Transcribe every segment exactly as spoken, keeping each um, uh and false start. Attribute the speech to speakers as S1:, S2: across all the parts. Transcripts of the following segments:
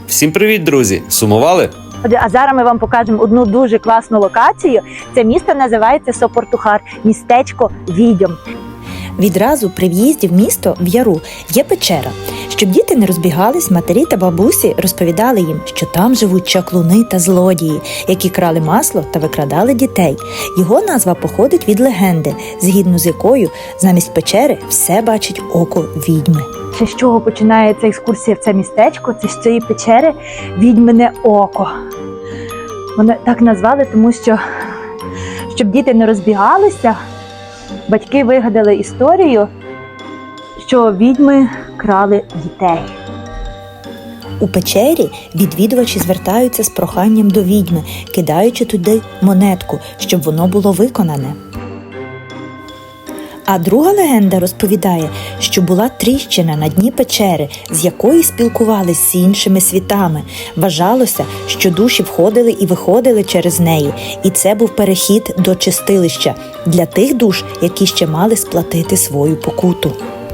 S1: Всім привіт, друзі! Сумували?
S2: А зараз ми вам покажемо одну дуже класну локацію. Це місто називається Сопортухар, містечко відьом.
S3: Відразу при в'їзді в місто в яру є печера. Щоб діти не розбігались, матері та бабусі розповідали їм, що там живуть чаклуни та злодії, які крали масло та викрадали дітей. Його назва походить від легенди, згідно з якою замість печери все бачить око відьми.
S2: Це з чого починається екскурсія в це містечко? Це з цієї печери відьмине око. Вони так назвали, тому що, щоб діти не розбігалися, батьки вигадали історію, що відьми крали дітей.
S3: У печері відвідувачі звертаються з проханням до відьми, кидаючи туди монетку, щоб воно було виконане. А друга легенда розповідає, що була тріщина на дні печери, з якої спілкувались з іншими світами. Вважалося, що душі входили і виходили через неї, і це був перехід до чистилища для тих душ, які ще мали сплатити свою покуту.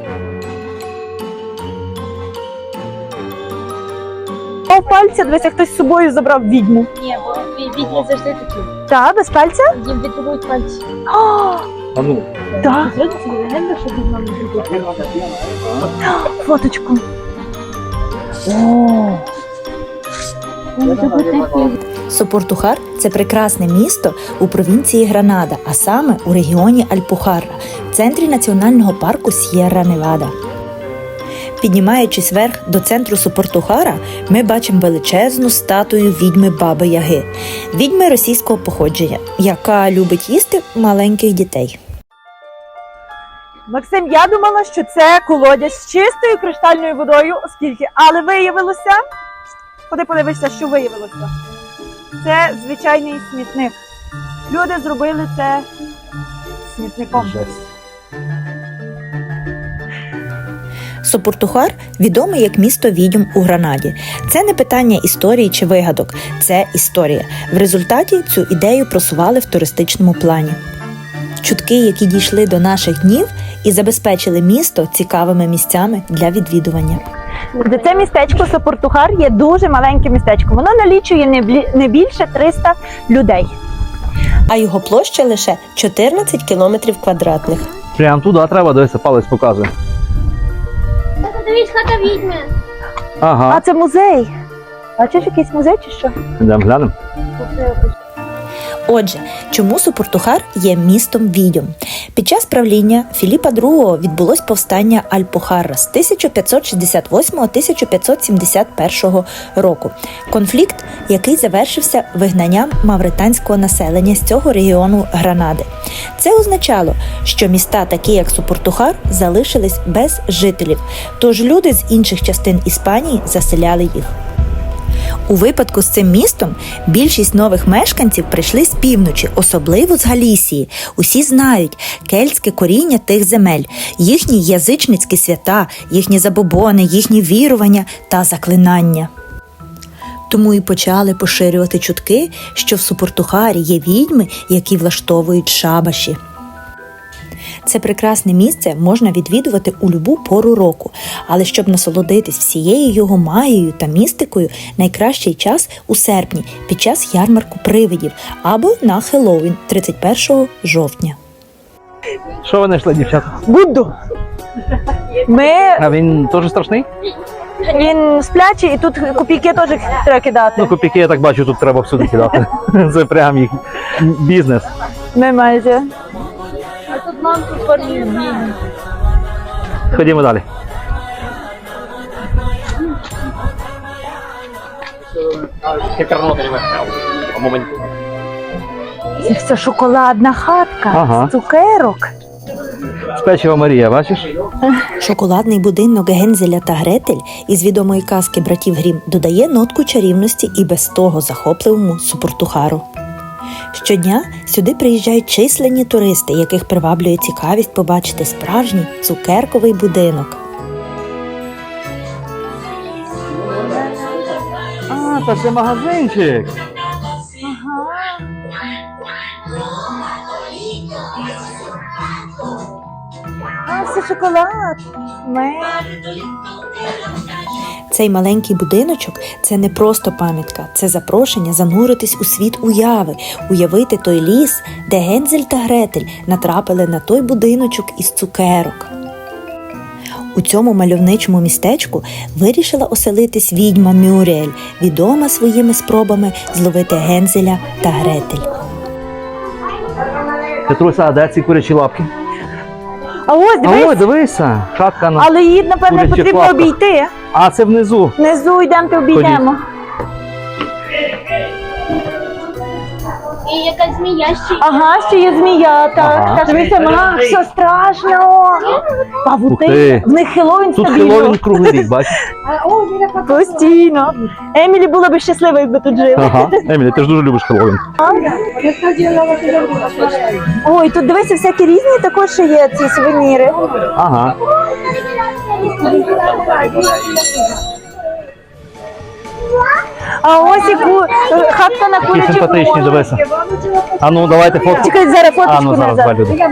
S2: О, пальця, дивися, хтось з собою забрав відьму.
S4: Ні, бо відьми завжди такі.
S2: Так, без пальця?
S4: Їм відрубують пальці.
S2: О,
S1: А ну.
S2: так,
S4: Сьогодні це легенда, що відьма не відрубують пальці.
S2: фоточку. О,
S3: Сопортухар – це прекрасне місто у провінції Гранада, а саме у регіоні Альпухарра, в центрі національного парку С'єрра-Невада. Піднімаючись вверх до центру Сопортухара, ми бачимо величезну статую відьми Баби Яги, відьми російського походження, яка любить їсти маленьких дітей.
S2: Максим, я думала, що це колодязь з чистою криштальною водою, оскільки, але виявилося, ходи подивишся, що виявилося. Це звичайний смітник. Люди зробили це смітником.
S3: Сопортухар відомий як місто відьом у Гранаді. Це не питання історії чи вигадок, це історія. В результаті цю ідею просували в туристичному плані. Чутки, які дійшли до наших днів і забезпечили місто цікавими місцями для відвідування.
S2: Це містечко Сопортухар є дуже маленьке містечко. Воно налічує не блі- не більше триста людей.
S3: А його площа лише чотирнадцять кілометрів квадратних.
S5: Прям туди треба, дивися, палець показує.
S4: Тата, дивись, хата відьми.
S5: Ага,
S2: А це музей. Бачиш, якийсь музей чи що?
S5: йдемо глянемо.
S3: Отже, чому Сопортухар є містом відьом? Під час правління Філіпа другого відбулось повстання Альпухарра з тисяча п'ятсот шістдесят восьмого - тисяча п'ятсот сімдесят першого року. Конфлікт, який завершився вигнанням мавританського населення з цього регіону Гранади. Це означало, що міста, такі як Сопортухар, залишились без жителів, тож люди з інших частин Іспанії заселяли їх. У випадку з цим містом більшість нових мешканців прийшли з півночі, особливо з Галісії. Усі знають кельтське коріння тих земель, їхні язичницькі свята, їхні забобони, їхні вірування та заклинання. Тому і почали поширювати чутки, що в Сопортухарі є відьми, які влаштовують шабаші. Це прекрасне місце можна відвідувати у любу пору року, але щоб насолодитись всією його магією та містикою, найкращий час у серпні під час ярмарку привидів або на Хеллоуін тридцять першого жовтня.
S5: Що ви знайшли, дівчата?
S2: Будду. Ми...
S5: А він теж страшний?
S2: Він сплячий, і тут копійки теж треба кидати.
S5: Ну, копійки, я так бачу, тут треба всюди кидати. Це прям їх бізнес.
S2: Ми майже.
S4: А тут мамку формі відьми.
S5: Ходімо далі.
S2: Це все шоколадна хатка
S5: Ага.
S2: з цукерок.
S5: Печива Марія, бачиш?
S3: Шоколадний будинок Гензеля та Гретель із відомої казки братів Грім додає нотку чарівності і без того захопливому Сопортухару. Щодня сюди приїжджають численні туристи, яких приваблює цікавість побачити справжній цукерковий будинок.
S5: А, це ще магазинчик.
S2: А, це шоколад. Мед.
S3: Це Цей маленький будиночок – це не просто пам'ятка, це запрошення зануритись у світ уяви, уявити той ліс, де Гензель та Гретель натрапили на той будиночок із цукерок. У цьому мальовничому містечку вирішила оселитись відьма Мюріель, відома своїми спробами зловити Гензеля та Гретель.
S5: Петруся, а де ці курячі лапки?
S2: А ось,
S5: А
S2: дивись,
S5: ой, дивися, хатка на...
S2: але її, напевно,
S5: курячих
S2: потрібно
S5: лапках.
S2: обійти.
S5: А, це внизу.
S2: Внизу йдемо, обійдемо.
S4: І якась змія ще.
S2: Ага, ще є змія, так.
S5: Ага.
S2: так. Дивися, Макс, що страшно.
S5: Ух
S2: Павути.
S5: ти.
S2: В них Хеллоуін
S5: Тут
S2: стабільно.
S5: Хеллоуін круглий рік, бачиш?
S2: Постійно. Емілі була б щаслива, якби тут жила.
S5: Ага. Емілі, ти ж дуже любиш Хеллоуін.
S2: Ой, тут дивися, всякі різні також ще є ці сувеніри.
S5: Ага.
S2: А ось яку е, хатка на
S5: Такі
S2: курячих
S5: симпатичні,
S2: ножках.
S5: дивися. А ну, давайте фотку.
S2: Чекай, зараз
S5: А,
S2: фоточку
S5: ну зараз два
S2: назад.
S5: люди.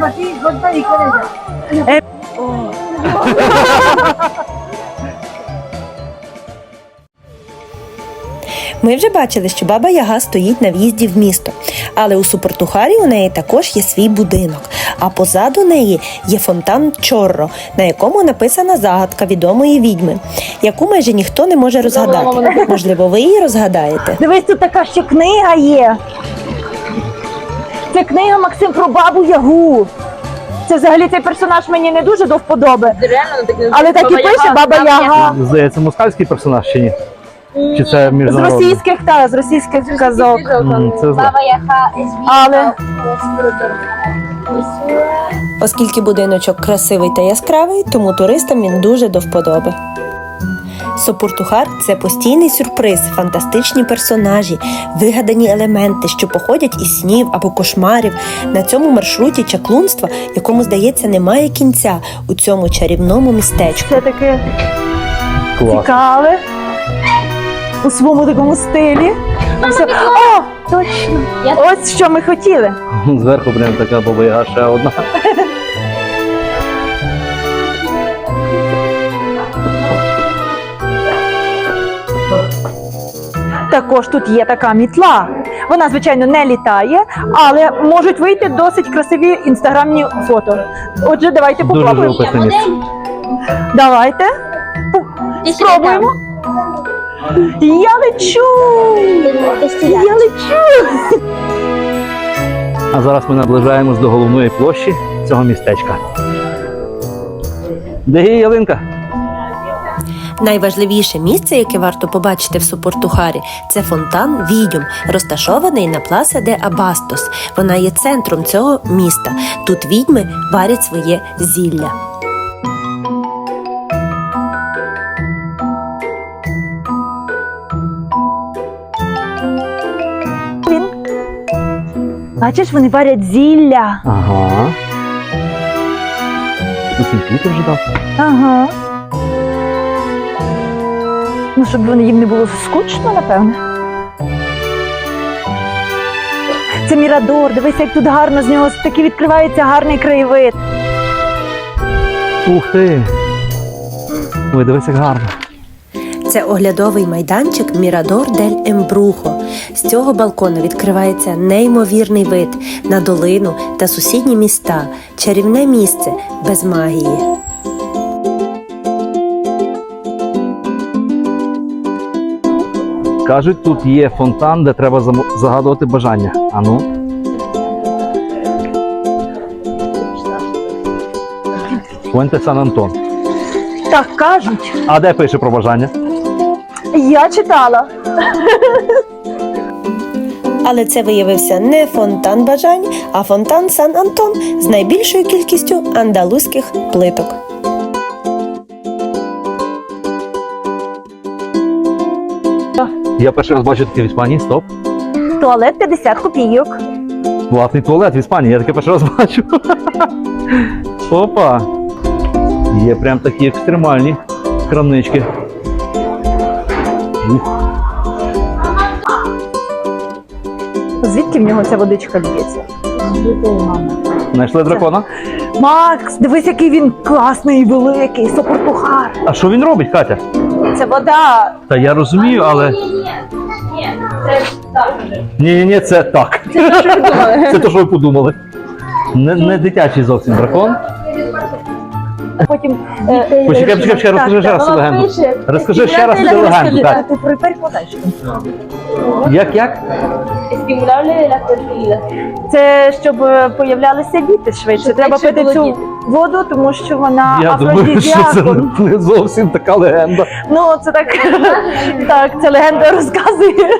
S3: Ми вже бачили, що Баба Яга стоїть на в'їзді в місто, але у Супортухарі у неї також є свій будинок, а позаду неї є фонтан Чорро, на якому написана загадка відомої відьми, яку майже ніхто не може розгадати. Можливо, ви її розгадаєте?
S2: Дивись, тут така ще книга є. Це книга, Максим, про Бабу Ягу. Це взагалі цей персонаж мені не дуже до вподоби.
S4: Реально, так не
S2: Але так і пише Баба Яга.
S5: Здається, москальський персонаж чи ні? Чи це
S2: З
S5: міжнародний?
S2: російських, так, з російських казок.
S5: М, Це зле.
S4: Баба Яга із
S2: Але
S3: Оскільки будиночок красивий та яскравий, тому туристам він дуже до вподоби. Сопортухар – це постійний сюрприз, фантастичні персонажі, вигадані елементи, що походять із снів або кошмарів. На цьому маршруті чаклунства, якому, здається, немає кінця у цьому чарівному містечку.
S2: це таке
S5: Клас.
S2: цікаве. У своєму такому стилі. Все. О, точно.
S4: Я-
S2: Ось що ми хотіли.
S5: Зверху прям така Баба Яга ще одна.
S2: Також тут є така мітла. Вона, звичайно, не літає, але можуть вийти досить красиві інстаграмні фото. Отже, давайте
S5: Дуже
S2: попробуємо.
S5: живописне місце.
S2: Давайте. Пу- Спробуємо. Я лечу! Я лечу!
S5: А зараз ми наближаємось до головної площі цього містечка. Де є ялинка?
S3: Найважливіше місце, яке варто побачити в Сопортухарі, це фонтан Відьом, розташований на Пласа де Абастос. Вона є центром цього міста. Тут відьми варять своє зілля.
S2: Він. Бачиш, вони варять зілля.
S5: Ага. Усі квіти вже дав.
S2: Ага. Ну, щоб вони їм не було скучно, напевне. Це Мірадор, дивися, як тут гарно з нього таки відкривається гарний краєвид.
S5: Ух ти! Ой, дивись, як гарно.
S3: Це оглядовий майданчик Мірадор дель Ембрухо. З цього балкону відкривається неймовірний вид на долину та сусідні міста. Чарівне місце без магії.
S5: Кажуть, тут є фонтан, де треба замо- загадувати бажання. А ну? Фуенте Сан Антон.
S2: Так кажуть.
S5: А де пише про бажання?
S2: Я читала.
S3: Але це виявився не фонтан бажань, а фонтан Сан Антон з найбільшою кількістю андалузьких плиток.
S5: Я перший раз бачу таке в Іспанії. Стоп.
S2: Туалет п'ятдесят копійок.
S5: Власний туалет в Іспанії, я таке перший раз бачу. Опа! Є прям такі екстремальні крамнички. Ух.
S2: Звідки в нього ця водичка лється?
S5: Знайшли дракона?
S2: Макс, дивись, який він класний і великий, Сопортухар.
S5: А що він робить, Катя?
S2: Це вода.
S5: Та я розумію, але
S4: Ні, ні, ні, це так же.
S5: ні, ні, ні, це так. Це те, що ви подумали. Не, не дитячий зовсім дракон.
S2: Потім... е,
S5: Почекай, почекай, почекай, розкажи ще раз цю легенду. Розкажи ще раз цю легенду, так.
S2: Ти про- перекладаєш.
S5: Як, як?
S4: Estimulable de la fertilidad.
S2: Це щоб е, появлялися діти швидше.
S4: Щоб
S2: Треба
S4: швидше
S2: пити
S4: було
S2: цю
S4: діти.
S2: воду, тому що вона
S5: Я думаю, що це
S2: афродизіаком.
S5: не зовсім така легенда.
S2: Ну, це так, так, це легенда розказує.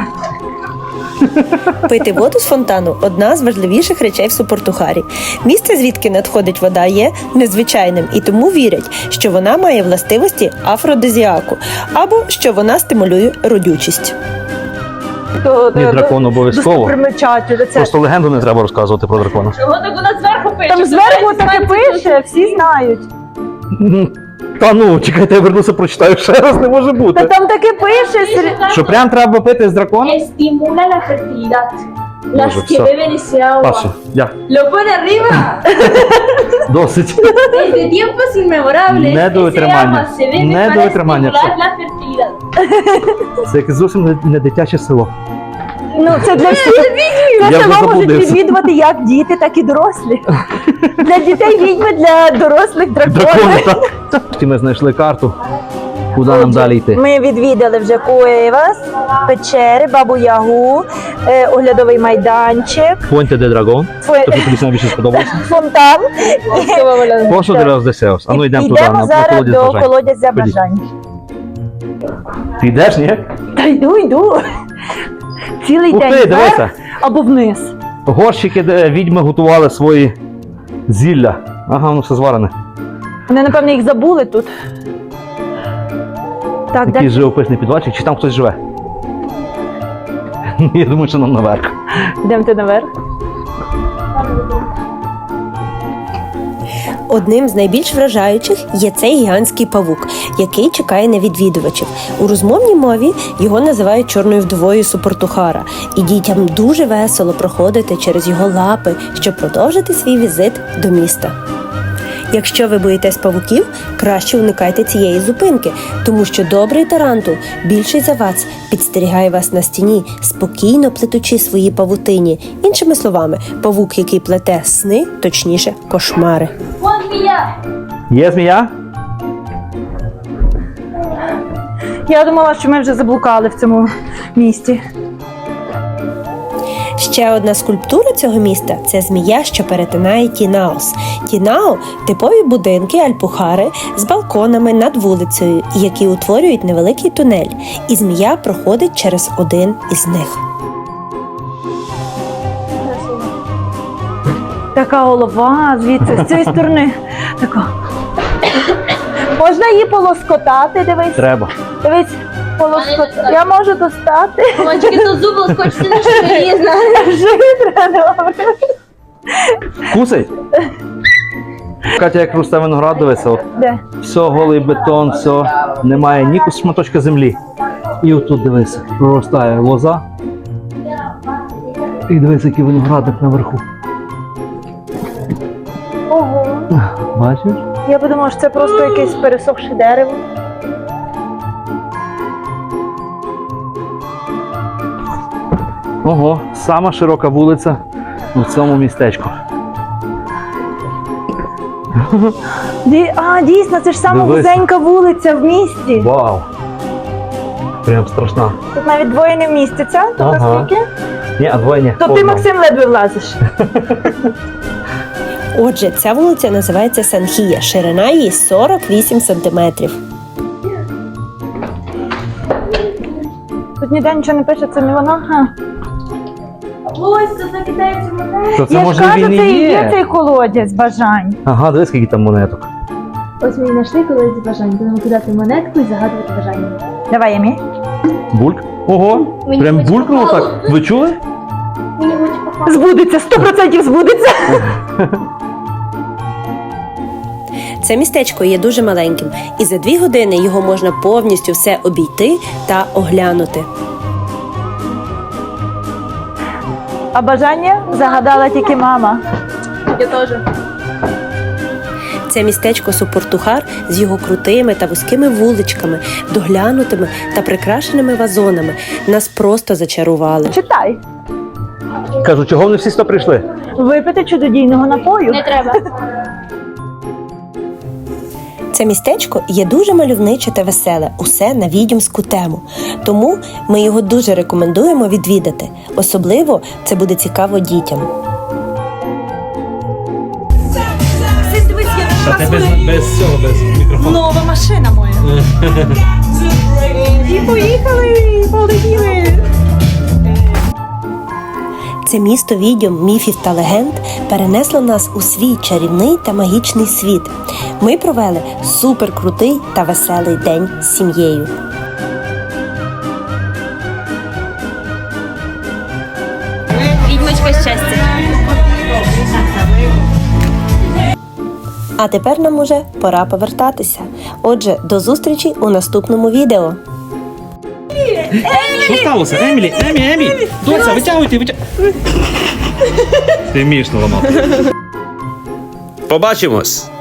S3: Пити воду з фонтану одна з важливіших речей в Супортухарі. Місце, звідки надходить вода, є незвичайним, і тому вірять, що вона має властивості афродизіаку або що вона стимулює родючість.
S2: То,
S5: Ні,
S2: то-
S5: дракон обов'язково.
S2: достопримечатель, це-
S5: Просто легенду не треба розказувати про дракона.
S4: Чого так у нас зверху пише?
S2: Там зверху таке пише, всі знають.
S5: Та ну, чекайте, я вернуся, прочитаю ще раз, не може
S2: Та
S5: бути.
S2: там таке пише. сер-
S5: Що прям треба пити з дракона?
S4: Estimula la fertilidad. Las
S5: Боже,
S4: que
S5: все.
S4: beben ese agua.
S5: Паша, я.
S4: Lo pone arriba.
S5: Досить.
S4: Desde tiempos inmemorables.
S5: Не до
S4: ese
S5: витримання.
S4: agua se bebe
S5: Не
S4: para
S5: до витримання,
S4: estimular
S5: все.
S4: la fertilidad.
S5: Це якесь зовсім не, не дитяче село.
S2: Ну, це для всіх.
S5: Я
S2: Це
S5: вже
S2: село можуть
S5: заблудився.
S2: відвідувати як діти, так і дорослі. Для дітей відьми, для дорослих
S5: Дракони,
S2: дракони.
S5: так. Ми знайшли карту, куди нам далі йти.
S2: Ми відвідали вже Куевас, печери, Бабу Ягу, е, оглядовий майданчик,
S5: Понте де драгон.
S2: фо-
S5: Тобто тобі найбільше сподобався.
S2: фонтан.
S5: Пощо де раз десеус. А ну йдемо туди,
S2: Йдемо
S5: на, на
S2: зараз
S5: колодязь
S2: до
S5: бажань.
S2: колодязя
S5: Ходіть.
S2: бажань.
S5: Ти йдеш, ні?
S2: Та йду, йду. Цілий
S5: Ух
S2: день
S5: ти,
S2: вверх
S5: дивися.
S2: або вниз.
S5: Горщики, де відьми готували свої зілля. Ага, ну все зварене.
S2: Вони, напевно, їх забули тут. Так,
S5: Якийсь
S2: де
S5: живописний підвальчик, чи там хтось живе? Я думаю, що нам наверх.
S2: йдемо ти наверх.
S3: Одним з найбільш вражаючих є цей гігантський павук, який чекає на відвідувачів. У розмовній мові його називають чорною вдовою Супортухара, і дітям дуже весело проходити через його лапи, щоб продовжити свій візит до міста. Якщо ви боїтесь павуків, краще уникайте цієї зупинки, тому що добрий тарантул, більший за вас, підстерігає вас на стіні, спокійно плетучи свої павутині. Іншими словами, павук, який плете сни, точніше, кошмари.
S4: Вон змія.
S5: Є змія?
S2: Я думала, що ми вже заблукали в цьому місті.
S3: Ще одна скульптура цього міста – це змія, що перетинає Тінаос. Тінао – типові будинки Альпухари з балконами над вулицею, які утворюють невеликий тунель, і змія проходить через один із них.
S2: Така голова звідси, з цієї сторони. Така. Можна її полоскотати, дивись.
S5: Треба.
S2: Дивись, полоскотати. Я можу достати.
S4: Мальчики, то зуб лоскочиться на шиї, знаєш.
S2: Житра, добре.
S5: Кусить? Катя, як росте виноград, дивиться, от
S2: Де?
S5: все голий бетон, все, немає ні шматочка землі. І отут дивися, проростає лоза. І дивися, який виноградник наверху.
S2: Ого.
S5: Бачиш?
S2: Я подумала, що це просто якесь пересохше дерево.
S5: Ого, сама широка вулиця у цьому містечку.
S2: Ді... А, дійсно, це ж сама
S5: Дивись.
S2: вузенька вулиця в місті.
S5: Вау! Прям страшна.
S2: Тут навіть двоє не вмістяться. Тут
S5: Ага.
S2: наскільки?
S5: Ні, а двоє ні.
S2: То ти,
S5: Одна.
S2: Максим, ледве влазиш.
S3: Отже, ця вулиця називається Санхія, ширина її сорок вісім сантиметрів.
S2: Тут ніде нічого не пише, це не вона. Ха.
S4: Ось, це закидається монета.
S5: То це
S2: Я ж
S5: може
S2: кажу,
S5: він і
S2: це і є
S5: є.
S2: цей колодязь бажань.
S5: Ага, дивись, скільки там монеток.
S4: Ось ми знайшли колись бажання. Будемо кидати монетку і загадувати бажання.
S2: Давай, Ямі.
S5: Бульк. Ого,
S4: Мені
S5: прям
S4: хоч
S5: булькнуло
S4: попало.
S5: так. Ви чули?
S4: Мені хоче попасти.
S2: Збудеться, сто процентів збудеться.
S3: Це містечко є дуже маленьким, і за дві години його можна повністю все обійти та оглянути.
S2: А бажання загадала тільки мама.
S4: Я теж.
S6: Це містечко Супортухар з його крутими та вузькими вуличками, доглянутими та прикрашеними вазонами нас просто зачарували.
S2: Читай.
S5: Кажу, чого вони всі сюди прийшли?
S2: Випити чудодійного напою.
S4: Не треба.
S6: Це містечко є дуже мальовниче та веселе, усе на відьомську тему. Тому ми його дуже рекомендуємо відвідати. Особливо це буде цікаво дітям.
S5: Та ти без, без цього, без мікрофону.
S2: Нова машина моя. І поїхали, полетіли.
S6: Це місто відьом, міфів та легенд перенесло нас у свій чарівний та магічний світ. Ми провели суперкрутий та веселий день з сім'єю.
S4: Відьмочка щастя.
S6: А тепер нам уже пора повертатися. Отже, до зустрічі у наступному відео.
S5: Що сталося? Емілі, Емі, Емі! Доця, витягуйте, витягуйте. Ти вмієш не ламати.
S1: Побачимось!